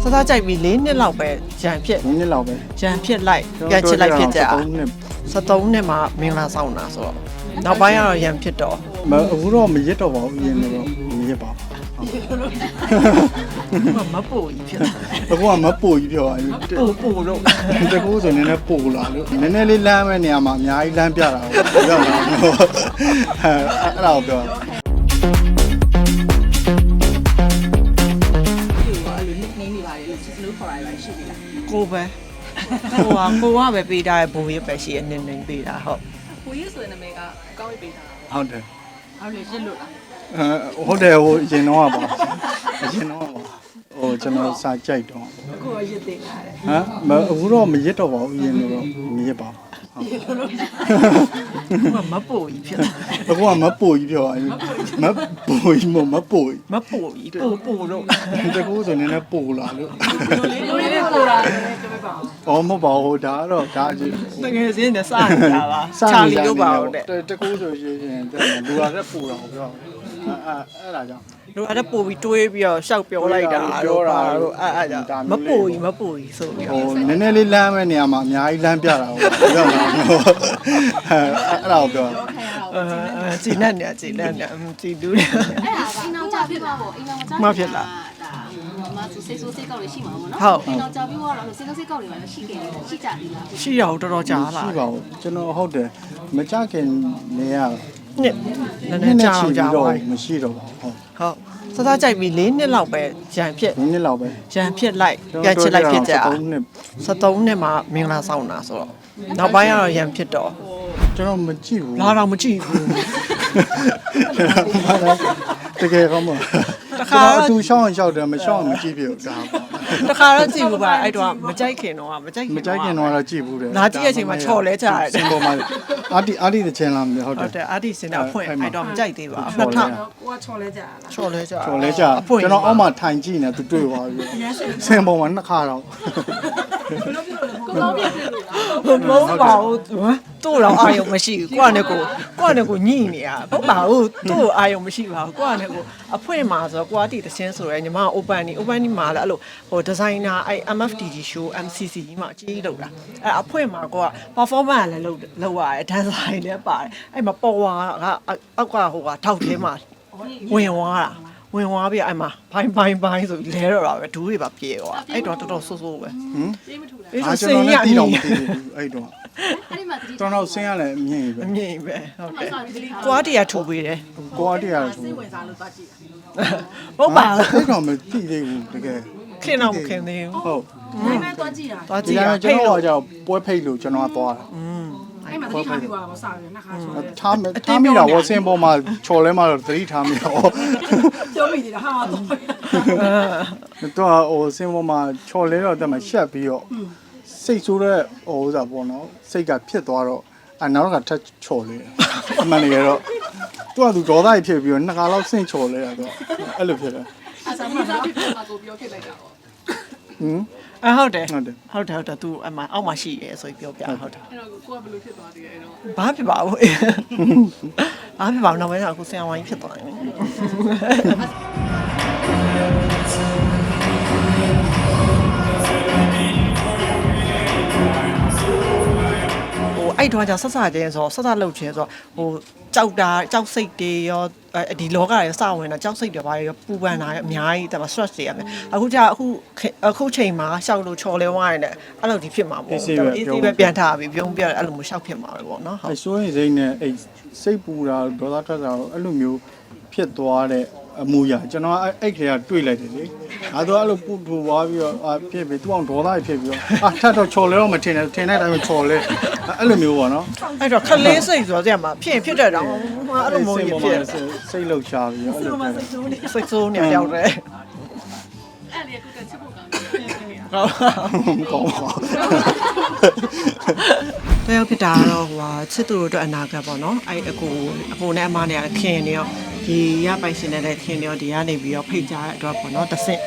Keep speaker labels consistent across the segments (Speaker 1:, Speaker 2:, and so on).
Speaker 1: စားကြိုက်ပြီး၄နှစ်လောက်ပဲရန်ဖြစ်
Speaker 2: နည်းလောက်ပဲ
Speaker 1: ရန်ဖြစ်လိုက်ပြန်ချစ်လိုက်ဖြစ်ကြ73နှစ်မှာမင်္ဂလာဆောင်တာဆိုတော့နောက်ပိုင်းကတော့ရန်ဖြစ်တော့
Speaker 2: အခုတော့မရစ်တော့ပါဘူးအရင်ကတော့မရစ်ပါ
Speaker 1: မပို့ကြီးဖြစ်
Speaker 2: အခုကမပို့ကြီးပြောတာ
Speaker 1: ပို့တော့
Speaker 2: တကူဆိုနည်းနည်းပို့လာလို့နည်းနည်းလေးလမ်းမဲ့နေရာမှာအများကြီးလမ်းပြတာကိုရောက်လာတော့အဲ့ဒါကိုပြော
Speaker 1: ကိုပဲကိုကပဲပေးတာဘိုးရပဲရှိအနေနဲ့ပေးတာဟုတ်
Speaker 3: ကိုကြီးဆိုတဲ့နာမည်ကကောင်းရေးပေးတာ
Speaker 2: ဟုတ်တယ်
Speaker 3: ဟုတ်လေပြစ်လို့လား
Speaker 2: ဟုတ်တယ်ဟိုအရင်တော့ပါအရင်တော့ပါဟိုကျွန်တော်စာကြိုက်တော့
Speaker 3: ကိုရစ်တင်လာတယ်
Speaker 2: အခုတော့မရစ်တော့ပါဘူးအရင်ကတော့မရစ်ပါ
Speaker 1: မပို့ကြီးဖြစ်
Speaker 2: အခုကမပို့ကြီးပြောမပို့ကြီးမပို့ကြီး
Speaker 1: မပို့ကြီးပို့တော့
Speaker 2: တကူဆိုနည်းနည်းပို့လာလို့
Speaker 3: လူလေးကိုလာတယ်ပြောပါဦး
Speaker 2: မဟုတ်ပါဘူးဒါကတော့ဒါအကြီး
Speaker 1: တကယ်စင်းနဲ့စနေတာပါချာလီတို့ပါဟုတ်တဲ့
Speaker 2: တကူဆိုရင်လူရတဲ့ပို့တော့ပြောအဲ့ဒါကြောင့်
Speaker 1: တို့အဲ့ဒါပို့ပြီးတွေးပြီးတော့ရှောက်ပြောလိုက်တာတော့ပါတော့အဲ့ကြောင့်မပို့ကြီးဆိုပြီး
Speaker 2: ဟိုနည်းနည်းလေးလမ်းမဲ့နေရာမှာအများကြီးလမ်းပြတာကိုရောက်လာတော့အဲ့ဒါကိုပြော
Speaker 1: ကြည်နဲ့ကြည်တူးတယ်
Speaker 4: အဲ့ဒါအိမ်အောင်ကြပြပါပေါ့အိမ်အောင်ကြဒါမဆိုစိတ်ဆိုးစိတ်ကောက်တွေရှိမှာပေါ့နော်အိမ်အောင်ကြပြတော့စိတ်ဆိုးစိတ်ကောက်တွေပါရှိကြတယ်ရှိကြသေးလား
Speaker 1: ရှိရအောင်တော်တော်ကြာလာ
Speaker 2: ရှိပါဘူးကျွန်တော်ဟုတ်တယ်မကြခင်နေရ
Speaker 1: နှစ်နည်းနည်းကြာအောင်ကြာပါ
Speaker 2: မရှိတော့ပါဘူး
Speaker 1: ဟုတ်စားကြိုက်ပြီး၄နှစ်လောက်ပဲရန်ဖြစ်
Speaker 2: နည်းလောက်ပဲ
Speaker 1: ရန်ဖြစ်လိုက်ပြန်ချစ်လိုက်ဖြစ်ကြ73နှစ်မှာမင်္ဂလာဆောင်တာဆိုတော့နောက်ပိုင်းကတော့ရန်ဖြစ်တော့
Speaker 2: ကျွန်တော်မကြည့်ဘူး
Speaker 1: လာတော့မကြည့်ဘူး
Speaker 2: တကယ်ကောင်းပါတခါအတူရှောင်းရင်ရှောက်တယ်မရှောင်းရင်မကြည့်ပြဘူးဒါပေါ့
Speaker 1: တခါတော့ကြည့်ဘူးပါအဲ့တော့မကြိုက်ခင်တော့မကြိုက်ခင်
Speaker 2: တော့ကြည့်ဘူးတယ်
Speaker 1: လာကြည့်တဲ့အချိန်မှာချော်လဲကြရတယ်
Speaker 2: စင်ပေါ်မှာအာတီတဲ့ချင်လာမယ်ဟုတ်
Speaker 1: ဟု
Speaker 2: တယ်
Speaker 1: တ်တယ်အာဒီစင်တာဖွင့်အဲ့တော့မကြိုက်သေးပါဘူး2000
Speaker 3: ကိုကချော်လဲကြလား
Speaker 1: ချော်လဲကြ
Speaker 2: ကျော်လဲကြကျွန်တော်အောက်မှာထိုင်ကြည့်နေသူတွေ့သွားပြီစင်ပေါ်မှာနှစ်ခါတော့
Speaker 3: ကိုကောင်းပြစ်တယ်လား
Speaker 1: မဟုတ်ပါဘူးတို့တော့အာယုံမရှိဘူးကိုကနဲ့ကိုညှိနေရဟုတ်ပါဘူးတို့အာယုံမရှိပါဘူးကိုကနဲ့ကိုအဖွင့်မှာဆိုတော့ကိုကတီတချင်းဆိုရဲညီမ open မှာလည်းအဲ့လိုဟိုဒီဇိုင်နာအဲ့ MFDG show MCC ကြီးမှာအကြီးကြီးလုပ်တာအဲ့အဖွင့်မှာကိုက performance လည်းလုပ်ရတယ် dancer လည်းပါတယ်အဲ့မှာပေါ်ဝါကအောက်ကဟိုကထောက်ထဲမှာဝင်သွားပြီးအဲ့မှာဘိုင်းဆိုလဲတော့တာပဲဒူးတွေပါပြေသွားအဲ့တော့တော်တော်ဆိုးဆိုးပဲ
Speaker 3: ပြေးမထူလား
Speaker 1: အဲ့
Speaker 2: အာ
Speaker 1: ဆို
Speaker 2: ကျွန်
Speaker 1: စင်
Speaker 2: တော်
Speaker 1: ရ
Speaker 2: လည်း
Speaker 1: အ
Speaker 2: တီး
Speaker 1: မြ
Speaker 2: တော့
Speaker 1: င်
Speaker 2: မသိဘူးအဲ့တော့
Speaker 4: အဲ့ဒီမှာတတိ
Speaker 2: တော်တော်ဆင်းရလဲအမြင်ပဲ
Speaker 1: အမြင်ပဲဟုတ်တယ်ကွာတီရထူပေးတယ်
Speaker 2: ကိုအားတရားဆို
Speaker 3: စိတ်ဝင်စားလို့သွားကြည့်တာ
Speaker 1: ဟုတ်ပါဘူး
Speaker 2: အဲ့တော့မသိသေးဘူးတကယ်
Speaker 1: ခင်တော့မခင်သေးဘူး
Speaker 2: ဟုတ်
Speaker 3: နိုင်မဲ့သွားကြည့်တာ
Speaker 1: သွား
Speaker 2: ဒီ
Speaker 1: ကြည့်
Speaker 2: က
Speaker 1: ရ
Speaker 2: နေ့ကျွန်တော်ကကြောက်ပွဲဖိတ်လို့ကျွန်တော်ကသွားတာ
Speaker 3: အဲ့မှာတတိထားပြီးသွားတော့စားရနှစ်ခါချော်လဲ
Speaker 2: ထားမိတာဝစင်ပေါ်မှာချော်လဲမှာတော့သတိထားမိတော့
Speaker 3: ပြောမိနေတာဟာတော့
Speaker 2: တော့ဟိုစင်ပေါ်မှာချော်လဲတော့တက်မှာရှက်ပြီးတော့စိတ်ဆိုးတဲ့ဟိုဥစားပေါ့နော်စိတ်ကဖြစ်သွားတော့နောက်ကထက်ချော်လဲအမှန်တကယ်တော့သူကဒေါသကြီးဖြစ်ပြီးတော့နှစ်ခါလောက်ဆင့်ချော်လဲတာတော့အဲ့လိုဖြစ်တယ်
Speaker 3: အစားမစားဖြစ်မှာကိုပြောဖြစ်လိုက်တာပေါ့
Speaker 1: ဟုတ်တယ်သူအမအောက်မှာရှိရဲဆိုပြီးပြောပြဟုတ်တယ်
Speaker 3: အဲ့တော့ကိုကဘယ်လိုဖြစ်သွားသေးလဲအဲ့တော့
Speaker 1: ဘာဖြစ်ပါဘူးဘာဖြစ်ပါဘူးနောက်ပိုင်းကအခုဆင်အောင်ဝိုင်းဖြစ်သွားတယ်အဲ့တော့ကျဆက်ချင်းဆိုဆက်လှုပ်ချင်းဆိုဟိုကြောက်စိတ်တွေရောဒီလောကရောစဝင်တာကြောက်စိတ်တွေပါရောပူပန်တာရောအများကြီးဒါပေမဲ့ stress တွေရမယ်အခုချိန်မှာရှောက်လို့ချော်လဲဝိုင်းတယ်အဲ့လိုဒီဖြစ်မှာပေါ့ easy ပဲပြန်ထားပြီးပြုံးပြအဲ့လိုမျိုးရှောက်ဖြစ်မှာပဲပေါ့နော်ဟုတ်
Speaker 2: အဲ့ဆိုရင်စိတ်နဲ့အဲ့စိတ်ပူတာဒေါသထွက်တာအဲ့လိုမျိုးဖြစ်သွားတဲ့အမူအရာကျွန်တော်အဲ့ခေတ်ကတွေ့လိုက်တယ်လေငါတို့အဲ့လိုပူထူသွားပြီးတော့ဖြစ်ပြီးသူအောင်ဒေါသဖြစ်ပြီးတော့ထပ်တော့ချော်လဲတော့မထင်နဲ့ထင်တဲ့အတိုင်းပဲချော်လဲအဲ့လိုမျိုးပေါ့နော်
Speaker 1: အဲ့တော့ခလေးစိတ်ဆိုတော့ကြမှာဖြစ်တဲ့တော့အဲ့လိုမျိုးကြီးဖြစ်
Speaker 2: စိတ်လှုပ်ရှားပြီးတော့အဲ့လိုပဲ
Speaker 1: စိတ်ဆိုးနေရောက်တယ်
Speaker 3: အဲ့လေကိုကချစ်ဖို့ကောင်းတယ်
Speaker 2: ကောင်းပါ
Speaker 1: တယောက်ဖြစ်တာတော့ဟိုဟာချစ်သူတို့အတွက်အနာဂတ်ပေါ့နော်အဲ့အကိုနဲ့အမနဲ့ခင်နေရောဒီရပိုင်ရှင်နဲ့လည်းခင်နေရောဒီကနေပြီးတော့ဖိတ်ကြတဲ့အတွက်ပေါ့နော်တစ်ဆင့်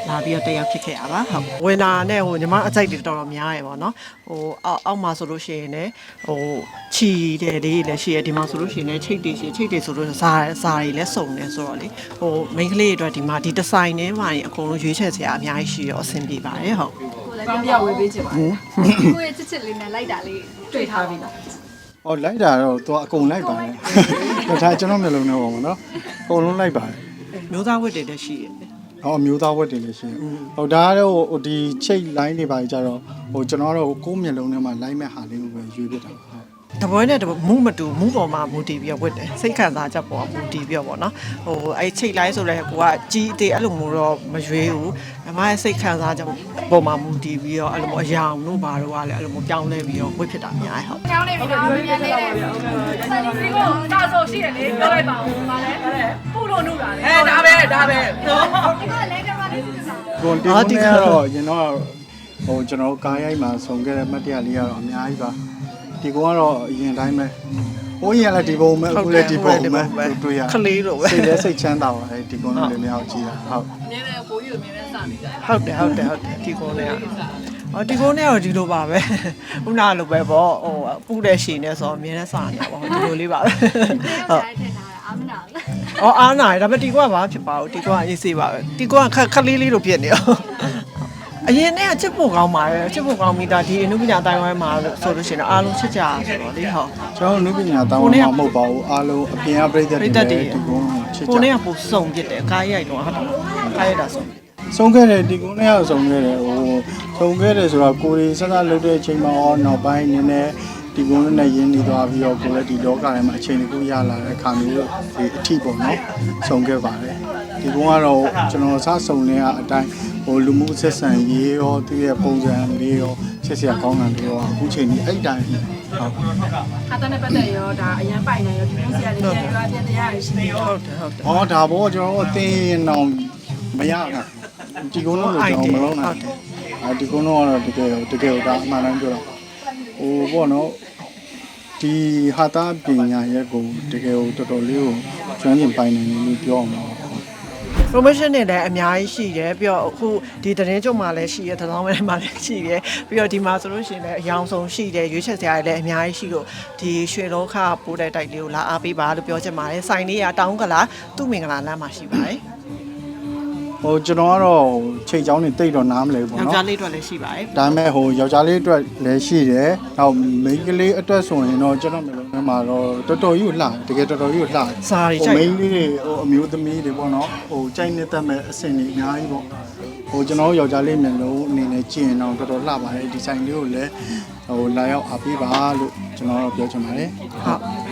Speaker 1: လာပြီးတော့တက်ရောက်ဖြစ်ခဲ့ရပါဟုတ်ဝင်လာနဲ့ဟိုညီမအကြိုက်တွေတော်တော်များရယ်ပေါ့နော်ဟိုအောက်မှာဆိုလို့ရှိရင်လည်းဟိုချီတဲ့လေးလည်းရှိရဒီမှာဆိုလို့ရှိရင်လည်းချိတ်တွေရှိချိတ်တွေဆိုလို့ဇာတွေလည်းစုံနေဆိုတော့လေဟိုမိန်းကလေးတွေအတွက်ဒီမှာဒီဒီဇိုင်းထဲမှာအကုန်လုံးရွေးချယ်စရာအများကြီးရှိရောအဆင်ပြေပါတယ်ဟုတ်
Speaker 3: ကောင်းပြဝေးပေးချင်ပါတယ်
Speaker 4: ကိုယ့်ရဲ့ချစ်လေးနဲ့လိုက်တာလေးတွေ့ထားပြီလား
Speaker 2: ။အော်လိုက်တာတော့သူအကုန်လိုက်ပါတယ်။ဒါကျွန်တော်မျိုးလုံးနဲ့ပေါ့နော်။အကုန်လုံးလိုက်ပါတယ်
Speaker 1: မျိုးသားဝတ်တွေလည်းရှိရတယ်
Speaker 2: ။ဟောမျိုးသားဝတ်တွေလည်းရှိတယ်။ဟိုဒါကတော့ဟိုဒီချိတ် line တွေပါကြတော့ဟိုကျွန်တော်တို့ကိုယ်မျိုးလုံးထဲမှာ line မဲ့ဟာလေးကိုပဲရွေးပြတာပါဟုတ်
Speaker 1: တပွဲနဲ့မူးမတူမူးပေါ်မှာမူတည်ပြီးတော့ဝတ်တယ်စိတ်ခံစားချက်ပေါ်မူတည်ပြီးတော့ပေါ့နော်ဟိုအဲ့ချိတ်လိုက်ဆိုလဲကိုကကြီးအသေးအဲ့လိုမျိုးတော့မရွေးဘူးအမရဲ့စိတ်ခံစားချက်ပေါ်မှာမူတည်ပြီးတော့အဲ့လိုမျိုးအယောင်တို့ဘာတို့ကလည်းအဲ့လိုမျိုးပြောင်းလဲပြီးတော့ဝတ်ဖြစ်တာအများကြီးဟုတ်
Speaker 3: ကျောင်းနေပြီတော့မြန်နေတယ်ဒီကိုတာဆိုရှိတယ်လေပြောလိုက်ပါဦးပါလဲပူလို့နှုတ်တာလေဒါပဲ
Speaker 4: ဒီကလည်းကမလေးစစ်တာ
Speaker 2: ။ကိုတီးကတော့ရင်တော့ဟိုကျွန်တော်ကားရိုက်မှာဆုံခဲ့တဲ့မှတ်တရလေးကတော့အများကြီးပါ။ဒီကောင်ကတော့အရင်တိုင်းပဲ။ဟိုရင်လည်းဒီပုံပဲအခုလည်းဒီပုံပဲတွေ့ရ
Speaker 1: ခလေးလိုပဲ
Speaker 2: စိတ်လည်းစိတ်ချမ်းသာပါတယ်ဒီကောင်လေးများကြည့်တာဟုတ်
Speaker 3: နည်းနည်းပိုးယူမြင်နေစားနေကြ
Speaker 1: ဟုတ်တယ်ဒီကုန်းလေးအော်ဒီကုန်းလေးကတော့ဒီလိုပါပဲခုနလိုပဲပေါ့ဟိုပူတဲ့ရှင်နဲ့ဆိုတော့အမြဲတမ်းစားနေတာပေါ့ဒီလိုလေးပါပဲဟုတ်
Speaker 4: တိုင်းထင်တာအာမနာလား
Speaker 1: အော်အားနာရဒါပေမဲ့ဒီကွာဘာဖြစ်ပါဘူးဒီကွာအေးစေးပါပဲဒီကွာခက်လေးလေးလိုဖြစ်နေရောအရင်နဲ့ချစ်ဖို့ကောင်းပါတယ်ချစ်ဖို့ကောင်းမိတာဒီအနုပညာတိုင်းဝိုင်းမှာဆိုလို့ရှိရင်အားလုံးချစ်ကြဆိုတော့လေဟုတ်
Speaker 2: ကျွန်တော်နုပညာတောင်းမှမဟုတ်ပါဘူးအားလုံးအပြင်အပရိသတ်တွေဒီကုန်းချစ်ကြ
Speaker 1: ကိုနဲ့ကပိုစုံဖြစ်တယ်ကားရိုက်တော့ဟုတ်တယ်ကားရိုက်တာဆို
Speaker 2: ဆုံးခဲ့တယ်ဒီကုန်းနဲ့ရောက်ဆုံးခဲ့တယ်ဟိုဆုံးခဲ့တယ်ဆိုတော့ကိုရီဆက်ဆက်လုပ်တဲ့အချိန်မှာတော့နောက်ပိုင်းနည်းနည်းဒီကုန်းနဲ့ရင်းနေသွားပြီးတော့ကိုလည်းဒီလောကထဲမှာအချိန်တစ်ခုရလာတဲ့အခါမျိုးဒီအထီးပေါ့နော်ဆုံးခဲ့ပါတယ်ဒီကုန်းကတော့ကျွန်တော်စဆုံနေတဲ့အတိုင်းဟိုလူမှုဆက်ဆံရေးရောသူရဲ့ပုံစံလေးရောချစ်စရာကောင်းတာတွေရောအခုချိန်ကြီးအဲ့တိုင်းဟုတ်
Speaker 3: ခါတန်းနဲ့ပတ်သက်ရောဒါအရန်ပိုင်နေရောဒီမျိုးစီရတယ်ပြန်ပြောပြန်တရားရရှိနေရော
Speaker 1: ဟုတ်တယ်
Speaker 2: ။အော်ဒါဘောကျွန်တော်တို့အသိရင်တော့မရဘူး။ဒီကုန်းလုံးကိုကျွန်တော်မလုံးနိုင်ဘူး။အဲဒီကုန်းလုံးကတော့တကယ်ဒါအမှန်တမ်းပြောတော့ဟိုပေါ့နော်ဒီဟာတာပညာရဲ့ကိုတကယ်ကိုတော်တော်လေးကိုကျွမ်းကျင်ပိုင်နိုင်တယ်လို့ပြောအောင်ပါ။
Speaker 1: promotion တွေလည်းအများကြီးရှိတယ်ပြီးတော့အခုဒီသတင်းကြုံမှာလည်းရှိတယ်သတင်းဝဲမှာလည်းရှိတယ်ပြီးတော့ဒီမှာဆိုလို့ရှိရင်လည်းအယောင်ဆုံးရှိတယ်ရွေးချယ်စရာတွေလည်းအများကြီးရှိလို့ဒီရွှေလောကပိုးတဲ့တိုက်လေးကိုလာအားပေးပါလို့ပြောချင်ပါတယ်စိုင်းလေးကတောင်းကလာသူ့မင်္ဂလာလမ်းမှာရှိပါတယ်
Speaker 2: ဟိုကျွန်တော်ကတော့ချိန်ချောင်းနေတိတ်တော့နားမလဲဘူး
Speaker 1: ယောက်
Speaker 2: နော်
Speaker 1: ျားလေးအတွက်လည်းရှိပါတယ်
Speaker 2: ဒါပေမဲ့ဟိုယောက်ျားလေးအတွက်လည်းရှိတယ်။နောက်မိန်းကလေးအတွက်ဆိုရင်တော့ကျွန်တော်မျိုးလုံးထဲမှာတော့တော်တော်ကြီးကိုလှတကယ်တော်တော်ကြီးကိုလှ
Speaker 1: စာရီ
Speaker 2: ဟို
Speaker 1: ကြိုက်
Speaker 2: မိန်းလေးတွေဟိုအမျိုးသမီးတွေပေါ့နော်ဟိုကြိုက်နေတတ်မဲ့အဆင့်တွေအများကြီးပေါ့ဟိုကျွန်တော်ယောက်ျားလေးမျိုးလုံးအနေနဲ့ကြည့်ရင်တော့တော်တော်လှပါတယ်ဒီဆိုင်လေးကိုလည်းဟိုလာရောက်အားပေးပါလို့ကျွန်တော်တော့ပြောချင်ပါတယ်
Speaker 1: ဟုတ်